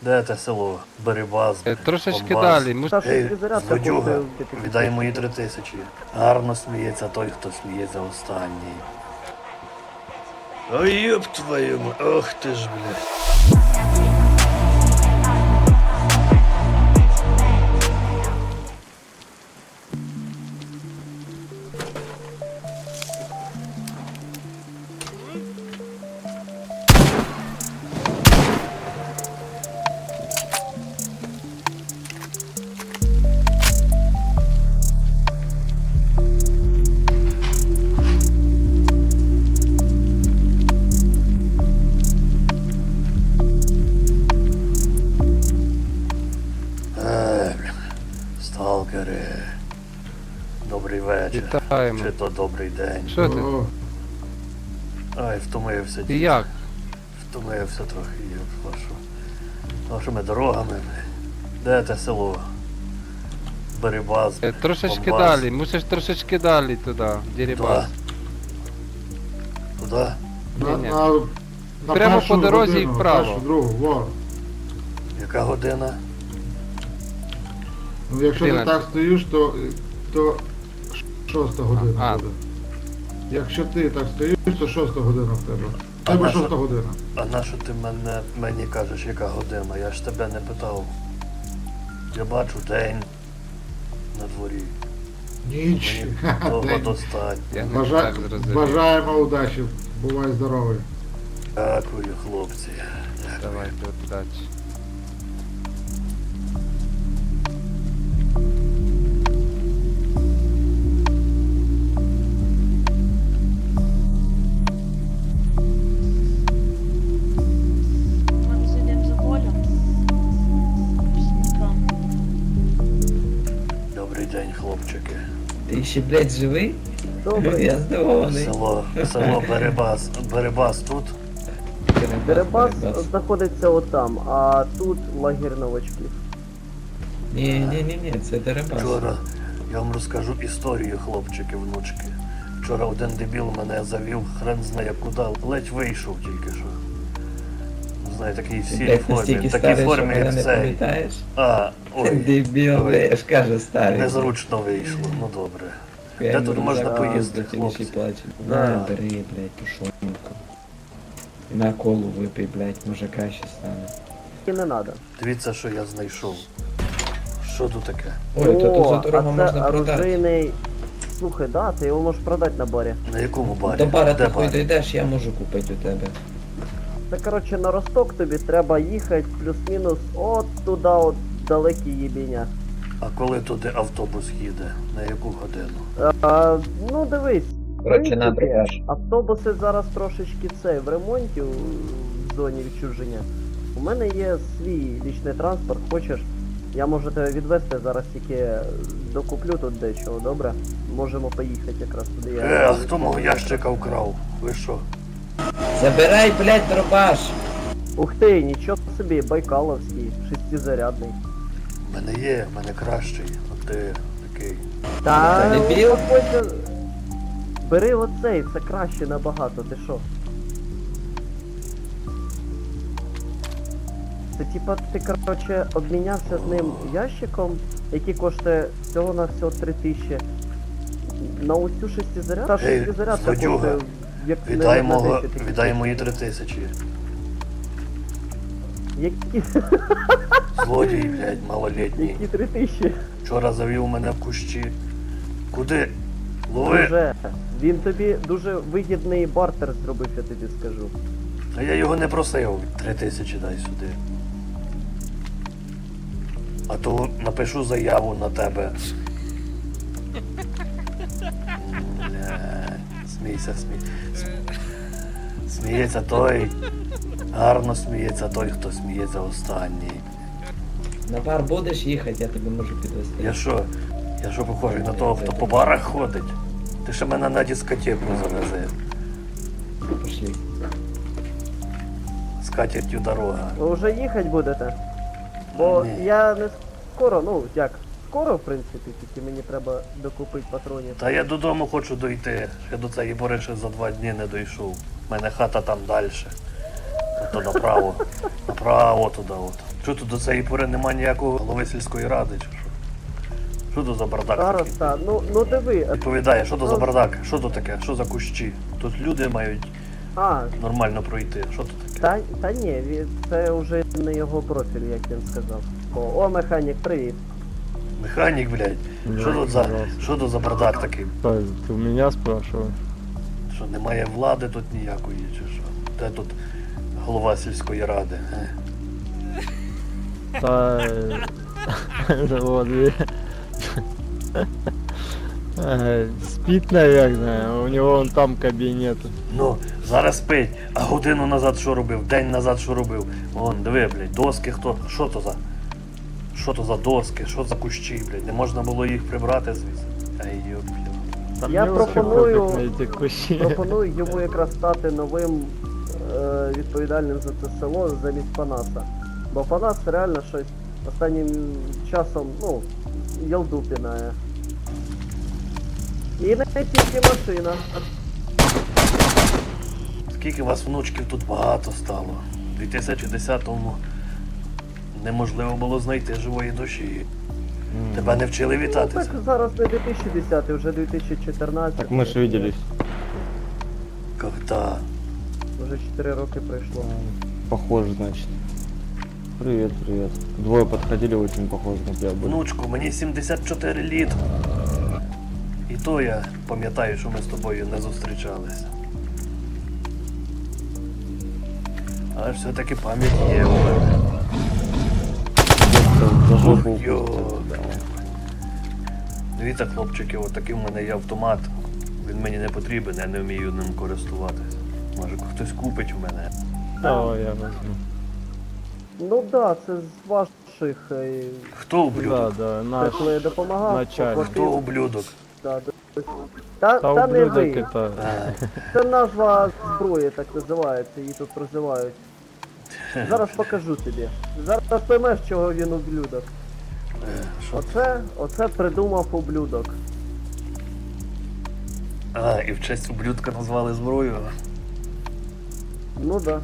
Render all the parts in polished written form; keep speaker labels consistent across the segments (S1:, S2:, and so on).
S1: Де те село? Беребаз,
S2: Трошечки
S1: Бомбас.
S2: далі.
S3: Та що
S1: Ей,
S3: тобі зарядка
S1: злодюга,
S3: коштує?
S1: віддай мої 3000. Гарно сміється той, хто сміється останній. Ой, ёб твою мать, ох ти ж, блядь. Сталкери. Добрий вечір.
S2: Вітаємо.
S1: Чи то добрий день.
S2: Що ти?
S1: Ай, втомився.
S2: І
S1: дід.
S2: як?
S1: Втомився трохи, вашу. Вашими дорогами. Де те село? Беребаз.
S2: Трошечки
S1: Бомбас.
S2: далі, мусиш трошечки далі туди, в Дерибас.
S1: Туди?
S2: Ні-ні.
S4: На
S2: Прямо
S4: першу
S2: по дорозі і
S4: годину,
S2: вправо.
S4: першу, другу, во.
S1: Яка година?
S4: Ну, якщо ти
S2: 11.
S4: так стоїш, то 6 година
S2: А.
S4: буде. Якщо ти так стоїш, то 6 година в тебе. В
S1: А
S4: тебе
S1: наша-
S4: 6 година.
S1: А нащо ти мені кажеш, яка година? Я ж тебе не питав. Я бачу день на дворі.
S4: Ніч.
S1: Мені того
S4: День.
S1: достатньо.
S2: Я не
S4: Бажа-
S2: так зрозумів.
S4: Бажаємо удачі. Бувай здоровий.
S1: Дякую, хлопці.
S2: Давайте, удачі.
S5: Ми зайдемо за полем. Смітам.
S1: Добрий день, хлопчики.
S6: Ти ще, блядь, живий?
S3: Добре.
S6: Я здивований.
S1: Село Беребас. Беребас тут?
S3: Дерибас знаходиться отам, а тут лагер новачків.
S6: Ні, це Дерибас.
S1: Вчора я вам розкажу історію, хлопчики, внучки. Вчора один дебіл мене завів, хрен знає куди, ледь вийшов тільки що. Не знаю, такий в сірій
S6: Блядь,
S1: формі,
S6: настільки
S1: в такій
S6: старий, що
S1: формі,
S6: мене
S1: як
S6: не
S1: цей.
S6: пам'ятаєш?
S1: Ой,
S6: Дебіл, я ж кажу, старий.
S1: незручно вийшло, ну добре.
S6: Я
S1: Де тут
S6: не
S1: можна
S6: знаю,
S1: поїсти,
S6: хто ті
S1: хлопці?
S6: плаче.
S1: Да.
S6: На, бери, блядь, тушонку. На колу випий, блядь, може краще стане.
S3: І не треба.
S1: Дивіться, що я знайшов. Що тут таке?
S6: Ой, то тут за дорогу
S3: а це
S6: можна продати.
S3: оружейний... Слухай, да, ти його можеш продати на барі.
S1: На якому барі?
S6: До бара
S1: Де
S6: ти хуй
S1: бар?
S6: дійдеш, я можу купити у тебе.
S3: Це, коротше, на Росток тобі треба їхати плюс-мінус от туди, от далекі їбіння.
S1: А коли туди автобус їде? На яку годину?
S3: Ну дивись,
S6: Коротше, на
S3: принципі,
S6: драж.
S3: автобуси зараз трошечки в ремонті в зоні відчуження. У мене є свій лічний транспорт, хочеш, я можу тебе відвезти, зараз тільки докуплю тут дечого, добре? Можемо поїхати якраз туди.
S1: А хто мого ящика вкрав? Ви що?
S6: Забирай, блядь, дробаш!
S3: Ух ти, нічого собі, байкаловський, шестизарядний.
S1: В мене кращий, а ти такий.
S3: Та
S6: дебіл?
S3: заходь, бери оцей, це краще набагато, ти що? Це типа ти, короче, обмінявся з ним ящиком, який коштує всього на всього 3000. На оцю шестизарядку. Та
S1: Ей,
S3: шестизарядка
S1: злодюга,
S3: коштує як
S1: Віддай,
S3: на 10 тисяч.
S1: віддай мої 3000.
S3: Які,
S1: Злодій, блядь, малолітній.
S3: які 3000?
S1: Вчора завів мене в кущі. Куди? Лови!
S3: Друже, він тобі дуже вигідний бартер зробив, я тобі скажу.
S1: А я його не просив. 3000 дай сюди. А то напишу заяву на тебе. Блядь, смійся, сміється той. Гарно сміється той, хто сміється останній.
S6: На бар будеш їхати, я тебе можу підвезти.
S1: Я що похожий на того, хто по барах ходить? Ти ще мене на дискотеку завези.
S6: Пошли.
S1: З катертю дорога.
S3: Ви вже їхати будете? Бо
S1: Ні.
S3: я не скоро, ну як, скоро в принципі, тільки мені треба докупити патронів.
S1: Та я додому хочу дойти. Я до цієї бори ще за 2 дні не дійшов. У мене хата там далі. То направо. Направо туди от. Що тут до цієї пори немає ніякого голови сільської ради, чи що? Що тут за бардак
S3: Зараз
S1: такий?
S3: так, ну диви.
S1: Відповідає, що то за бардак? Що то таке? Що за кущі? Тут люди мають
S3: А,
S1: нормально пройти. Що то таке?
S3: та ні, це вже не його профіль, як він сказав. О, механік, привіт.
S1: Механік, блядь. Що тут за бардак такий?
S5: Ты у меня спрашиваешь?
S1: Що немає влади тут ніякої, чи що? Де тут голова сільської ради?
S5: Да, вот, спит, наверное, у него вон там кабинет.
S1: Ну, зараз спить, а годину назад що робив, день назад що робив. Вон, диви, блядь, доски хто? Що то за? Що то за доски? Що за кущі, блядь? Не можна було їх прибрати звідси? Ай, йоп.
S5: Там
S3: Я
S5: мне вообще
S3: пропоную-
S5: пофиг на эти кущи.
S3: Пропоную йому якраз стати новим відповідальним за це село замість Панаса. Бо Панас реально щось останнім часом, ну, ялду пінає. І не тільки машина.
S1: Скільки вас внучків тут багато стало. У 2010-му неможливо було знайти живої душі. Тебе не вчили
S3: Ну,
S1: вітатися.
S3: так зараз не 2010, вже 2014.
S7: Так мы же виделись.
S1: Когда?
S3: Вже 4 роки пройшло.
S7: Похоже, значит. Привет, привет. Двое подходили, очень похожи на тебя были.
S1: Внучку, мені 74 літ. І то я пам'ятаю, що ми з тобою не зустрічалися. Але ж все-таки пам'ять є у мене.
S7: За жопу
S1: Ох, йо.
S7: укусил, да.
S1: Дивіться, хлопчики, отакий в мене є автомат. Він мені не потрібен, я не вмію ним користуватися. Може хтось купить у мене.
S5: Давай я возьму.
S3: Ну да, це з ваших,
S1: Хто
S5: Да,
S1: ублюдок?
S5: да,
S3: те,
S5: наш.
S3: коли я допомагав,
S5: начальник.
S1: Хто
S3: поплатив.
S1: ублюдок?
S3: Да, та
S5: Та
S3: не
S5: ублюдок
S3: ви.
S5: это...
S3: Це назва зброї, так називається, її тут прозивають. Зараз покажу тобі. Зараз поймеш, чого він ублюдок.
S1: Що?
S3: Оце придумав ублюдок.
S1: А, і в честь ублюдка назвали зброю.
S3: Ну да.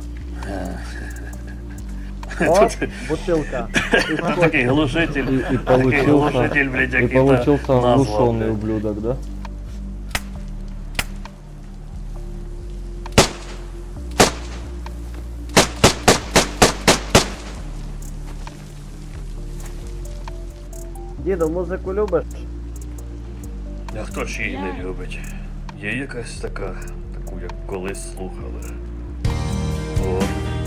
S1: Тут
S3: О, бутилка. І
S1: такий глушитель.
S7: И
S1: Такий
S7: получился,
S1: глушитель, блядь,
S7: и
S1: який
S7: получился
S1: назвав,
S7: оглушенный
S1: блядь.
S7: ублюдок, да?
S3: Діду, музику любиш?
S1: А хто ж її не любить? Є якась така, таку як колись слухали. О.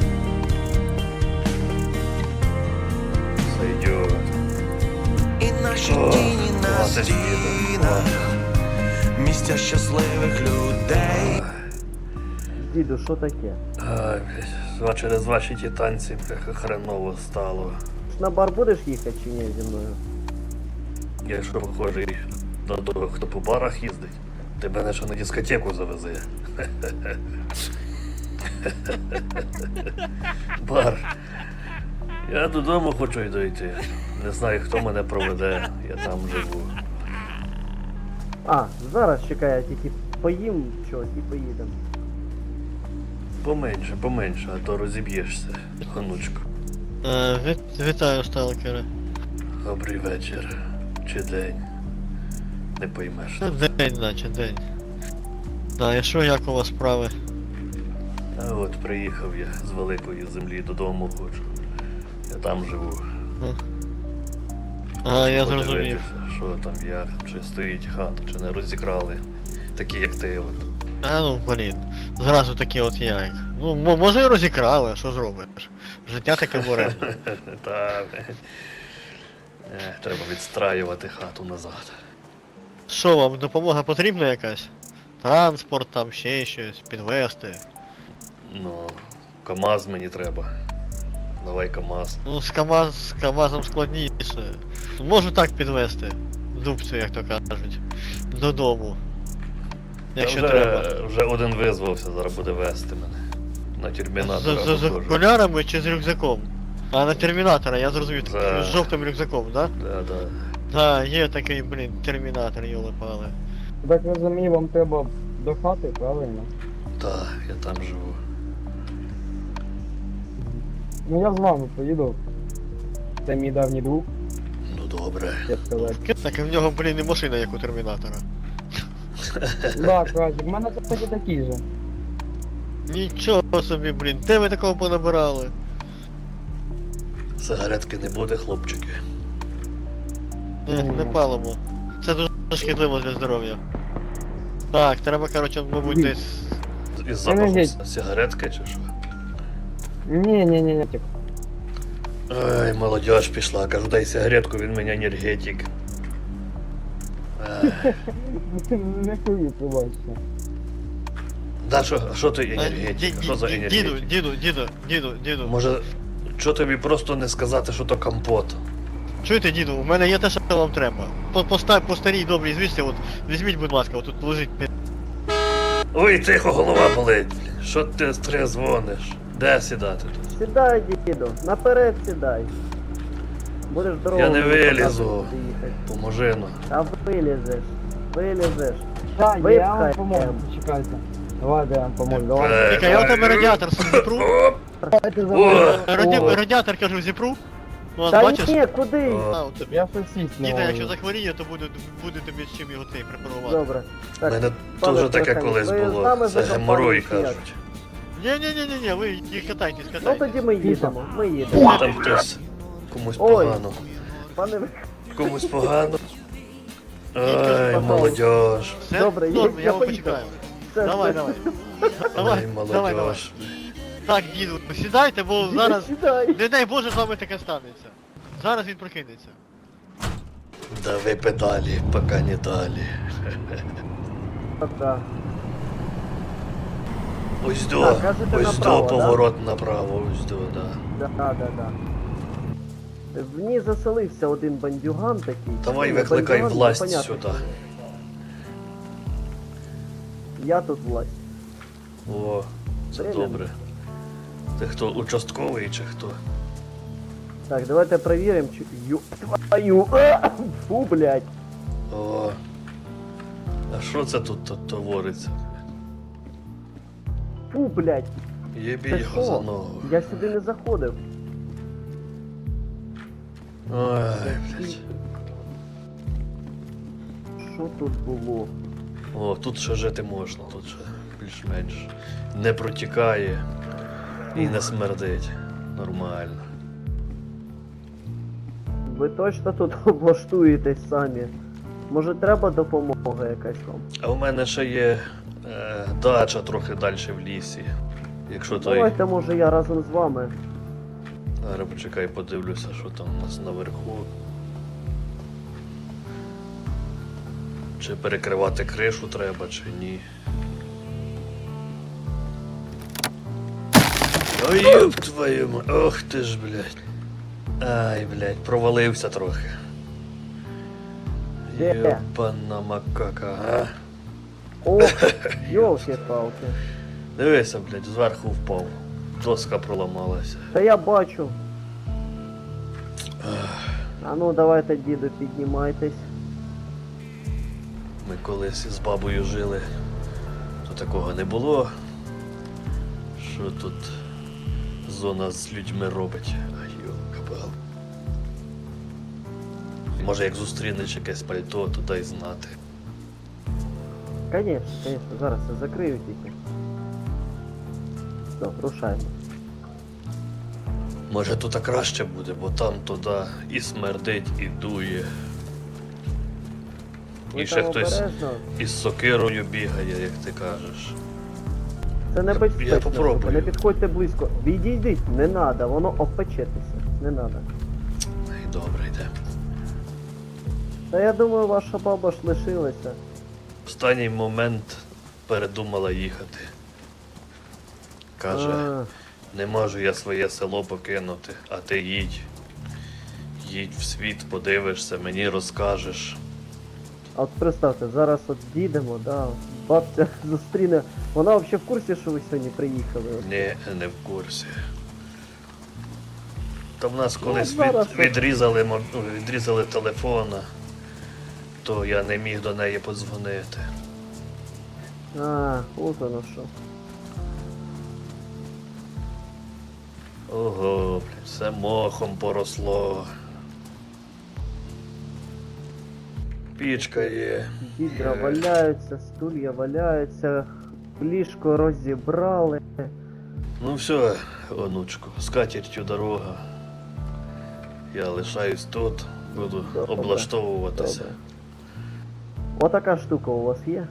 S1: Сойдет.
S8: І наші
S1: О,
S8: тіні на
S1: класна
S8: стінах, місця щасливих людей.
S3: Діду, що таке?
S1: Ай, блядь, через ваші ті танці, бляха, хреново стало.
S3: На бар будеш їхати чи ні зі мною?
S1: Я що похожий на того, хто по барах їздить, ти мене ще на дискотеку завезе. Бар. Я додому хочу й дойти. Не знаю, хто мене проведе, я там живу.
S3: А, зараз чекай, я тільки поїм щось і поїдемо.
S1: Поменше, а то розіб'єшся, онучко.
S9: Вітаю, сталкери.
S1: Добрий вечір. Чи день. Не поймеш.
S9: День, наче, день. Да, і що, як у вас справи?
S1: А от приїхав я з великої землі додому хочу. Я там живу.
S9: А, я
S1: Подивитися,
S9: зрозумів.
S1: що там як, чи стоїть хата, чи не розікрали. Такі як ти от.
S9: А ну, блін. Зразу такі от як. Ну, може і розікрали, а що зробиш? Життя таке буре.
S1: Та, треба відстраювати хату назад.
S9: Що вам, допомога потрібна якась? Транспорт, там ще щось, підвести.
S1: Ну, КамАЗ мені треба. Давай КамАЗ.
S9: Ну, з КамАЗом складніше. Можу так підвести. Дубцю, як то кажуть. Додому. Якщо
S1: Та
S9: треба.
S1: вже один визвався, зараз буде вести мене. На термінатора.
S9: З
S1: похоже.
S9: окулярами чи з рюкзаком? А на термінатора, я зрозумів,
S1: За-
S9: з жовтим рюкзаком, да?
S1: Да.
S9: Да, є такий, блін, термінатор, йоли-пали.
S5: Так ви мені вам треба до хати, правильно?
S1: Так, я там живу.
S5: Ну я з вами поїду. Це мій давній друг,
S1: Ну добре.
S5: як сказати.
S9: Так і в нього, блін, і машина, як у Термінатора.
S5: Да, Кразик, в мене кстати такий же.
S9: Нічого собі, блін, де ви такого понабирали?
S1: Сигаретки не буде, хлопчики.
S9: Не палимо. Це дуже шкідливо для здоров'я. Так, треба, коротше, мабуть,
S5: Ні.
S9: десь.
S1: Із запахом
S5: Енергетик.
S1: сигаретки чи що?
S5: Ні.
S1: Ай, молодежь пішла, кажу, дай сигаретку, він мене енергетик. Ай.
S5: Не курю, пробачте.
S1: Да, що ти енергетик? Що за енергетик?
S9: Діду.
S1: Може, що тобі просто не сказати, що то компот?
S9: Чуєте, діду, у мене є те, що вам треба. По старій добрій звісті, от візьміть, будь ласка, от тут лежить.
S1: Ой, тихо, голова болить. Блін. Що ти дзвониш? Де сідати тут?
S3: Сідай, діду, наперед сідай. Будеш дорогу.
S1: Я не вилізу.
S3: показувати, їхати.
S1: Поможи ну.
S3: А вилізеш.
S5: Так, я
S3: Випхай.
S5: вам поможу, почекайте. Давайте я вам поможу, давай.
S9: Тільки я у тебе радіатор сам зіпру.
S5: Давайте за
S1: О!
S5: мною.
S9: Радіатор, кажу, зіпру. Ну, от
S3: Та
S9: бачиш?
S3: ні, куди?
S1: О.
S9: А, от тобі.
S5: Я щось сість не
S9: Діда, якщо
S5: можу.
S9: захворіє, то буде тобі з чим його цей препарувати.
S3: Добре.
S1: У
S3: Так,
S1: мене
S3: пане
S1: теж таке
S3: Трохимов,
S1: колись
S3: ви з
S1: було.
S3: нами
S1: Це
S3: за
S1: геморой,
S3: компанію чи як?
S1: кажуть.
S9: Ні, ви їх катайтесь,
S3: Ну
S9: катайтесь.
S3: тоді ми їдемо.
S1: Там хтось комусь
S3: Ой.
S1: погано.
S3: Пане,
S1: Комусь погано.
S3: Ай,
S1: Ай, молодежь.
S9: Все?
S3: Добре,
S9: Норм,
S3: я
S9: я вам
S3: поїхав.
S9: почекаю.
S3: це-
S9: Давай.
S1: Ай,
S9: Давай.
S1: молодежь.
S9: Так, діду, сідайте, бо зараз,
S3: Сідай.
S9: не дай Боже, з вами таке станеться. Зараз він прокинеться.
S1: Дави педалі, поки не далі.
S3: Так.
S1: Ось до,
S3: Так, кажете,
S1: ось
S3: направо,
S1: до,
S3: да?
S1: поворот направо, ось до, да.
S3: Да. В ній заселився один бандюган такий.
S1: Давай
S3: Ну,
S1: викликай
S3: бандюган,
S1: власть
S3: непонятно,
S1: сюди.
S3: хто. Я тут власть.
S1: О, це
S3: Временно.
S1: добре. Ти хто, участковий чи хто?
S3: Так, давайте перевіримо, чи... Твою... Фу, блядь.
S1: О. А що це тут твориться?
S3: Фу, блядь.
S1: Єбі
S3: Це
S1: його за
S3: що?
S1: ногу.
S3: Я сюди не заходив.
S1: Ой, блядь.
S3: Що тут було?
S1: О, тут ще жити можна, тут ще більш-менш не протікає і не смердить. Нормально.
S3: Ви точно тут облаштуєтесь самі? Може треба допомога якась вам?
S1: А у мене ще є дача трохи далі в лісі. Якщо той.
S3: Давайте, може, я разом з вами.
S1: Зараз почекай, подивлюся, що там у нас наверху. Чи перекривати кришу треба, чи ні. Ой, ёб твою ма... Ох ти ж, блядь. Ай, блядь, провалився трохи.
S3: Де?
S1: Ёбана макака, а?
S3: О, йолки-палки.
S1: Дивися, блядь, зверху впав. Доска проламалася.
S3: Та я бачу. А ну давайте, діду, піднімайтесь.
S1: Ми колись з бабою жили, то такого не було. Що тут зона з людьми робить? Ай, йо-кабал. Може, як зустрінеш якесь пальто, то дай знати.
S3: Конечно, зараз я закрию тільки. Все, рушаємо.
S1: Може, тут краще буде, бо там туди і смердить, і дує.
S3: Ви
S1: І ще
S3: там
S1: хтось
S3: обережно.
S1: із сокирою бігає, як ти кажеш.
S3: Це небезпечно.
S1: Я попробую.
S3: Не підходьте близько. Відійдіть, не надо, воно опечетеся. Не надо.
S1: Ай, добре, йде.
S3: Та я думаю, ваша баба ж лишилася.
S1: В останній момент передумала їхати. Каже,
S3: А,
S1: не можу я своє село покинути, а ти їдь. Їдь в світ, подивишся, мені розкажеш.
S3: а от представте, зараз от дійдемо, да, бабця зустріне. Вона взагалі в курсі, що ви сьогодні приїхали?
S1: Ні, не в курсі. Та в нас колись
S3: зараз
S1: відрізали телефона, то я не міг до неї подзвонити.
S3: А, от воно що.
S1: Ого, блядь, все мохом поросло. Пічка є.
S3: Відра валяються, стулья валяються, ліжко розібрали.
S1: Ну все, онучку, з катертю дорога. Я лишаюсь тут, буду
S3: Добре.
S1: облаштовуватися.
S3: Добре. Отака штука у вас є?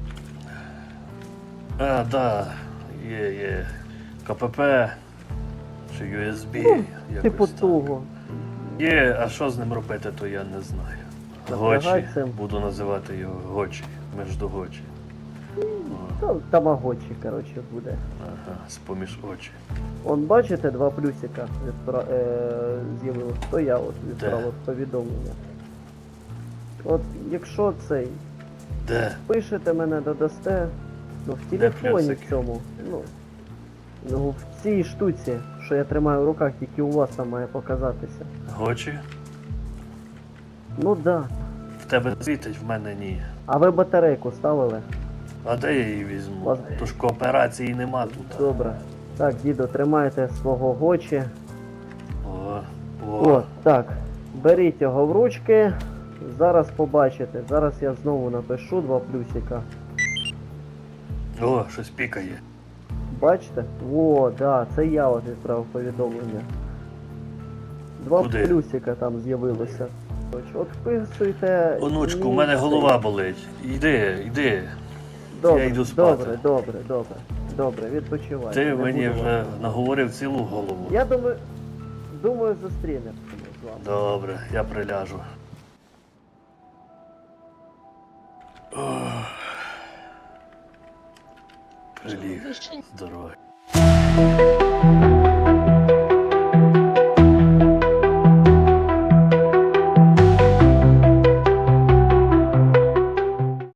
S1: А, да, є. КПП чи USB, якось
S3: Типу
S1: так.
S3: того.
S1: Є, а що з ним робити, то я не знаю.
S3: Напрягай
S1: Гочі,
S3: цим.
S1: буду називати його Гочі, Междугочі. О,
S3: Тамагочі, коротше, буде.
S1: ага, з-поміж очі.
S3: Он бачите, два плюсика з'явилось, то я от відправив повідомлення. От якщо цей
S1: Де?
S3: пишете мене, додасте, ну в
S1: Де
S3: телефоні
S1: плюсики?
S3: цьому, ну в цій штуці, що я тримаю в руках, тільки у вас там має показатися.
S1: Гочі?
S3: Ну да.
S1: В тебе світить, в мене ні.
S3: А ви батарейку ставили?
S1: А де я її візьму?
S3: Ладно.
S1: Тож кооперації нема тут.
S3: Добре. Так, діду, тримайте свого Гочі.
S1: О,
S3: О, так. Беріть його в ручки. Зараз побачите. Зараз я знову напишу два плюсика.
S1: О, щось пікає.
S3: Бачите? О, да, це я от відправив повідомлення. Два
S1: Куди?
S3: плюсика там з'явилося. От вписуйте.
S1: Онучку, у
S3: мій
S1: мене
S3: цей.
S1: голова болить. Йди.
S3: Добре,
S1: я йду спати.
S3: Добре, відпочивай.
S1: Ти
S3: Не
S1: мені
S3: буду
S1: вже
S3: вас.
S1: наговорив цілу голову.
S3: Я думаю, зустрінемося з вами.
S1: Добре, я приляжу. Ох. Приліг. Здоров'я.